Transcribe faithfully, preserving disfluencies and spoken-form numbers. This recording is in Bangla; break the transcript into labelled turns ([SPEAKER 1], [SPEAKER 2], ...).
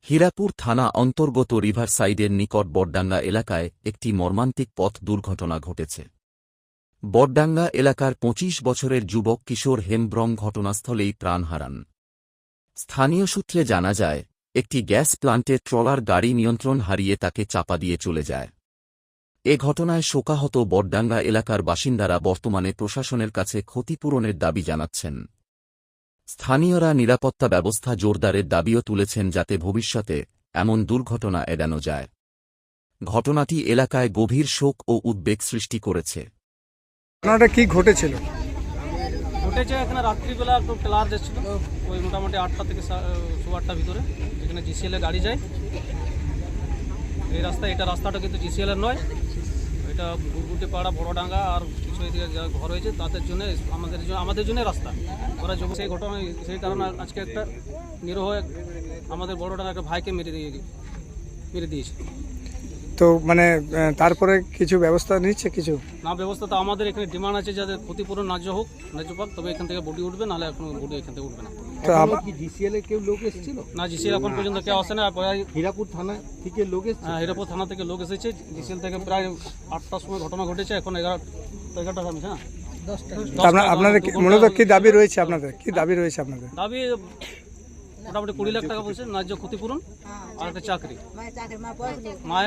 [SPEAKER 1] হীরাপুর থানা অন্তর্গত রিভারসাইডের নিকট বডডাঙ্গা এলাকায় একটি মর্মান্তিক পথ দুর্ঘটনা ঘটেছে। বডডাঙ্গা এলাকার পঁচিশ বছরের যুবক কিশোর হেমব্রম ঘটনাস্থলেই প্রাণ হারান। স্থানীয় সূত্রে জানা যায়, একটি গ্যাস প্লান্টের ট্রলার গাড়ি নিয়ন্ত্রণ হারিয়ে তাকে চাপা দিয়ে চলে যায়। এ ঘটনায় শোকাহত বডডাঙ্গা এলাকার বাসিন্দারা বর্তমানে প্রশাসনের কাছে ক্ষতিপূরণের দাবি জানাচ্ছেন। স্থানীয়রা নিরাপত্তা ব্যবস্থা জোরদারের দাবিও তুলেছেন যাতে ভবিষ্যতে এমন দুর্ঘটনা এড়ানো যায়। ঘটনাটি এলাকায় গভীর শোক ও উদ্বেগ সৃষ্টি করেছে।
[SPEAKER 2] ঘটনাটা কি ঘটেছিল?
[SPEAKER 3] ঘটেছে এখানে রাত্রিবেলা একটু ক্লাস যাচ্ছিল, ওই মোটামুটি আটটা থেকে সোয়া আটটার ভিতরে, যেখানে জিসিএলের গাড়ি যায়। এই রাস্তা এটা রাস্তাটা কিন্তু জিসিএলের নয়, এটা গুটগুটি পাড়া বড়ডাঙ্গা আর কিছু এদিকে যা ঘর হয়েছে তাদের জন্য আমাদের জন্য আমাদের জন্য রাস্তা ওরা যখন সেই ঘটনা সেই কারণে আজকে একটা নিরহ আমাদের বড়ডাঙ্গা একটা ভাইকে মেরে দিয়ে মেরে দিয়েছে।
[SPEAKER 2] তো মানে তারপরে কিছু ব্যবস্থা নিচ্ছে? কিছু
[SPEAKER 3] না, ব্যবস্থা তো আমাদের এখানে ডিমান্ড আছে যাদের ক্ষতিপূরণ ন্যায্য হোক, ন্যায্য পাক, তবে এখান থেকে বডি উঠবে, নাহলে এখন বডি এখান থেকে উঠবে না।
[SPEAKER 2] তো
[SPEAKER 4] কি জিসিএল এর কেউ লোক এসেছিল?
[SPEAKER 3] না, জিসিএল এখন পর্যন্ত কেউ আসে না।
[SPEAKER 4] হীরাপুর থানা থেকে লোক এসেছে?
[SPEAKER 3] হ্যাঁ, হীরাপুর থানা থেকে লোক এসেছে। জিসিএল থেকে প্রায় আটটার সময় ঘটনা ঘটেছে, এখন এগারো এগারোটা থামছে না
[SPEAKER 2] আপনাদের মূলত কি দাবি রয়েছে? আপনাদের কি দাবি রয়েছে? আপনাদের
[SPEAKER 3] দাবি মোটামুটি কুড়ি লাখ টাকা বলছে ন্যায্য ক্ষতিপূরণ আর একটা চাকরি।